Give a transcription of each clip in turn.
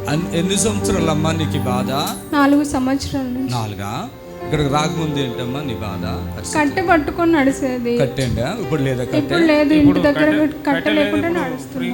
ఎన్ని సంవత్సరాలు అమ్మా నీకు బాధ? 4 సంవత్సరాలు. 4? ఇక్కడికి రాకముందు ఏంటమ్మా నీ బాధ? కట్టె పట్టుకొని నడిచేది. కట్టేండా? ఇప్పుడు లేదా? ఇప్పుడు లేదు, ఇంటి దగ్గర కట్టె లేకుండా నడుస్తుంది.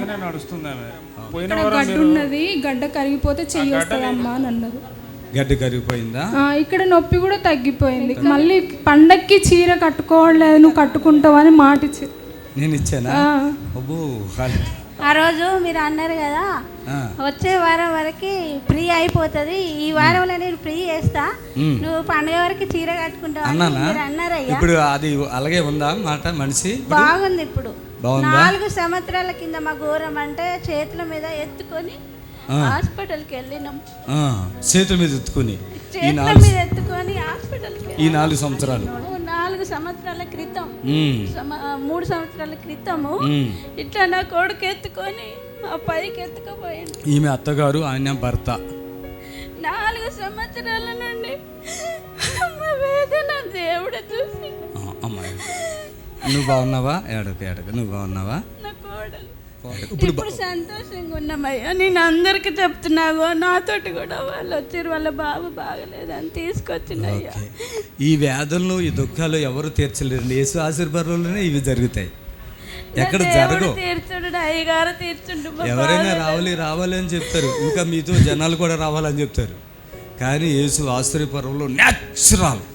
గడ్డ ఉన్నది, గడ్డ కరిగిపోతే చెయ్యి వస్తుందమ్మా అని అన్నారు. గడ్డ కరిగిపోయిందా? ఇక్కడ నొప్పి కూడా తగ్గిపోయింది. మళ్ళీ పండక్కి చీర కట్టుకోవట్లేదు, నువ్వు కట్టుకుంటావు అని మాట ఇచ్చి నేను ఇచ్చానా? అబ్బో, ఆ రోజు మీరు అన్నారు కదా వచ్చే వారం వరకు ఫ్రీ అయిపోతుంది, ఈ వారంలో నేను ఫ్రీ చేస్తా, నువ్వు పండుగ వరకు చీర కట్టుకుంటావు అన్నారయ్యా. ఇప్పుడు అది అలాగే ఉందా మాట? మనిషి బాగుంది ఇప్పుడు. 4 సంవత్సరాల కింద మా ఘోరం అంటే చేతుల మీద ఎత్తుకొని హాస్పిటల్కి వెళ్ళినాం. చేతుల మీద ఎత్తుకొని హాస్పిటల్కి ఈ 4 సంవత్సరాలు 4 సంవత్సరాల క్రితం 3 సంవత్సరాల క్రితము ఇట్లా నా కొడుకు ఎత్తుకొని ఆ పైకి ఎత్తుకుపోయింది. ఈమె అత్తగారు, ఆయన భర్త. 4 సంవత్సరాల నుండి వేదన దేవుడు చూసి. అమ్మాయి నువ్వు బాగున్నావా? ఏడక నువ్వు బాగున్నావా? నా కోడలు ఇప్పుడు సంతోషంగా ఉన్నామయ్యా. నేను అందరికి చెప్తున్నావు, నాతోటి కూడా వాళ్ళు వచ్చారు, వాళ్ళ బాబు బాగలేదని తీసుకొచ్చినయ్యా. ఈ వ్యాధులను, ఈ దుఃఖాలు ఎవరు తీర్చలేరు. యేసు ఆశీర్వాదంలోనే ఇవి జరుగుతాయి, ఎక్కడ జరగవు. తీర్చుడు అయ్యగారు తీర్చుండు. ఎవరైనా రావాలి అని చెప్తారు, ఇంకా మీతో జనాలు కూడా రావాలని చెప్తారు. కానీ యేసు ఆశ్చర్యపర్వంలో న్యాచురల్,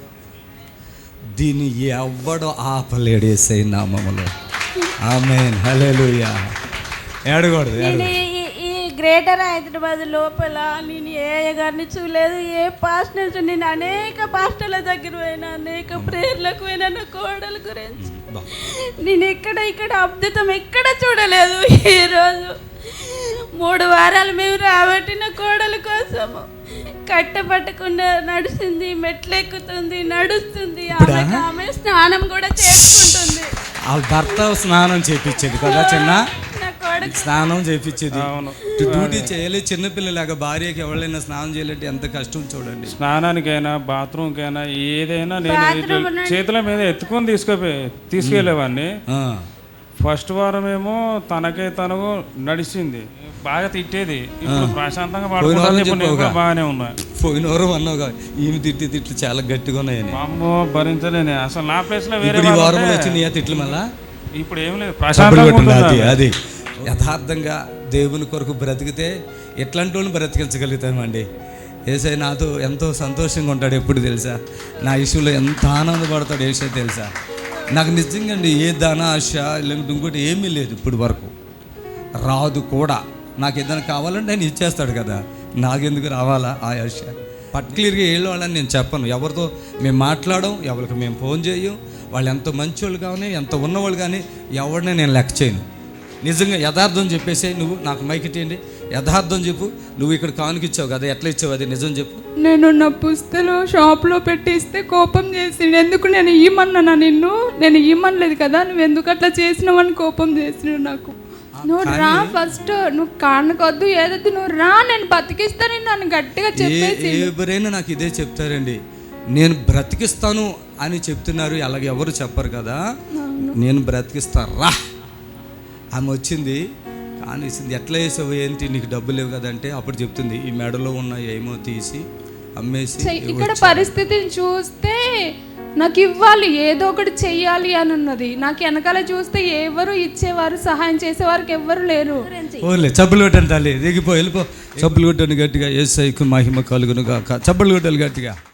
దీన్ని ఎవ్వడో ఆపలేడు యేసయ్య నామములో. ఆమేన్, హల్లెలూయా. ఏడకూడదు. ఈ గ్రేటర్ హైదరాబాద్ లోపల నేను ఏ గారిని చూడలేదు, ఏ పాస్టర్స్, నేను అనేక పాస్టర్ల దగ్గర పోయినా, అనేక ప్రేయర్లకు పోయినా నా కోడల గురించి. నేను ఇక్కడ అద్భుతం ఎక్కడ చూడలేదు. ఈరోజు 3 వారాలు మేము రాబట్టి నా కోడల కోసము కట్టపట్టకుండా నడిచింది, మెట్లెక్కుతుంది, నడుస్తుంది, ఆమె స్నానం కూడా చేసుకుంటుంది. భర్త స్నానం చేయించేది కదా, చిన్న స్నానం చేయించేది. డ్యూటీ చేయలేదు, చిన్నపిల్లలాగా భార్యకి ఎవరైనా స్నానం చేయాలంటే ఎంత కష్టం చూడండి. స్నానానికైనా బాత్రూమ్కైనా ఏదైనా నేను చేతుల మీద ఎత్తుకొని తీసుకెళ్ళేవాడిని. ఫస్ట్ వారం ఏమో తనకు నడిచింది, బాగా తిట్టేది. ఇప్పుడు ప్రశాంతంగా బాగానే ఉన్నా. పోయిన వారం అన్నావు ఈమె తిట్లు చాలా గట్టిగా ఉన్నాయని. అమ్మో భరించలేని అసలు. నా ప్లేస్ లో వేరే వారంలో వచ్చినాయి తిట్లు. మళ్ళా ఇప్పుడు ఏం లేదు, ప్రశాంతంగా. అది యథార్థంగా దేవుని కొరకు బ్రతికితే ఎట్లాంటి వాళ్ళని బ్రతికించగలుగుతామండి. యేసయ్య నాతో ఎంతో సంతోషంగా ఉంటాడు ఎప్పుడు తెలుసా, నా ఇష్యూలో ఎంత ఆనందపడతాడు యేసయ్య తెలుసా. నాకు నిజంగా అండి ఏ ధన ఆశ లేకపోతే ఇంకోటి ఏమీ లేదు ఇప్పుడు వరకు, రాదు కూడా. నాకు ఏదైనా కావాలంటే ఆయన ఇచ్చేస్తాడు కదా, నాకెందుకు రావాలా ఆ ఆశ? పర్టికులర్గా వాళ్ళని నేను చెప్పను, ఎవరితో మేము మాట్లాడడం, ఎవరికి మేము ఫోన్ చేయం. వాళ్ళు ఎంత మంచోళ్ళు కానీ, ఎంత ఉన్నవాళ్ళు కానీ ఎవరిని నేను లెక్క చేయను. నిజంగా యథార్థం చెప్పేసి, నువ్వు నాకు మైక్ ఇచ్చేయండి, యథార్థం చెప్పు. నువ్వు ఇక్కడ కానుకిచ్చావు కదా, ఎట్లా ఇచ్చావు అది నిజం చెప్పు. నేను నా పుస్తకం షాప్లో పెట్టి ఇస్తే కోపం చేసిండు. ఎందుకు నేను ఇవ్వమన్నా? నేను ఇవ్వమనలేదు కదా, నువ్వు ఎందుకు అట్లా చేసినావని కోపం చేసినావు నాకు. నువ్వు రా ఫస్ట్, నువ్వు కానుకొద్దు ఏదొద్దు, నువ్వు రా, నేను బతికిస్తాను నన్ను గట్టిగా చెప్పేసి. ఎవరైనా నాకు ఇదే చెప్తారండి, నేను బ్రతికిస్తాను అని చెప్తున్నారు. అలాగే ఎవరు చెప్పరు కదా, నేను బ్రతికిస్తాను రా. ఆమె వచ్చింది కానీ ఎట్లా వేసావు, ఏంటి నీకు డబ్బు లేవు కదంటే అప్పుడు చెప్తుంది, ఈ మెడలో ఉన్న ఏమో తీసి అమ్మేసి. ఇక్కడ పరిస్థితిని చూస్తే నాకు ఇవ్వాలి, ఏదో ఒకటి చెయ్యాలి అని ఉన్నది. నాకు వెనకాల చూస్తే ఎవరు ఇచ్చేవారు, సహాయం చేసేవారికి ఎవ్వరు లేరు. ఓన్లే చప్పులు కొట్టండి తల్లి, దిగిపో వెళ్ళిపో. చప్పులు కొట్టండి గట్టిగా, యేసయ్యకు మహిమ కలుగును గాక. చప్పులు కొట్టాలి గట్టిగా.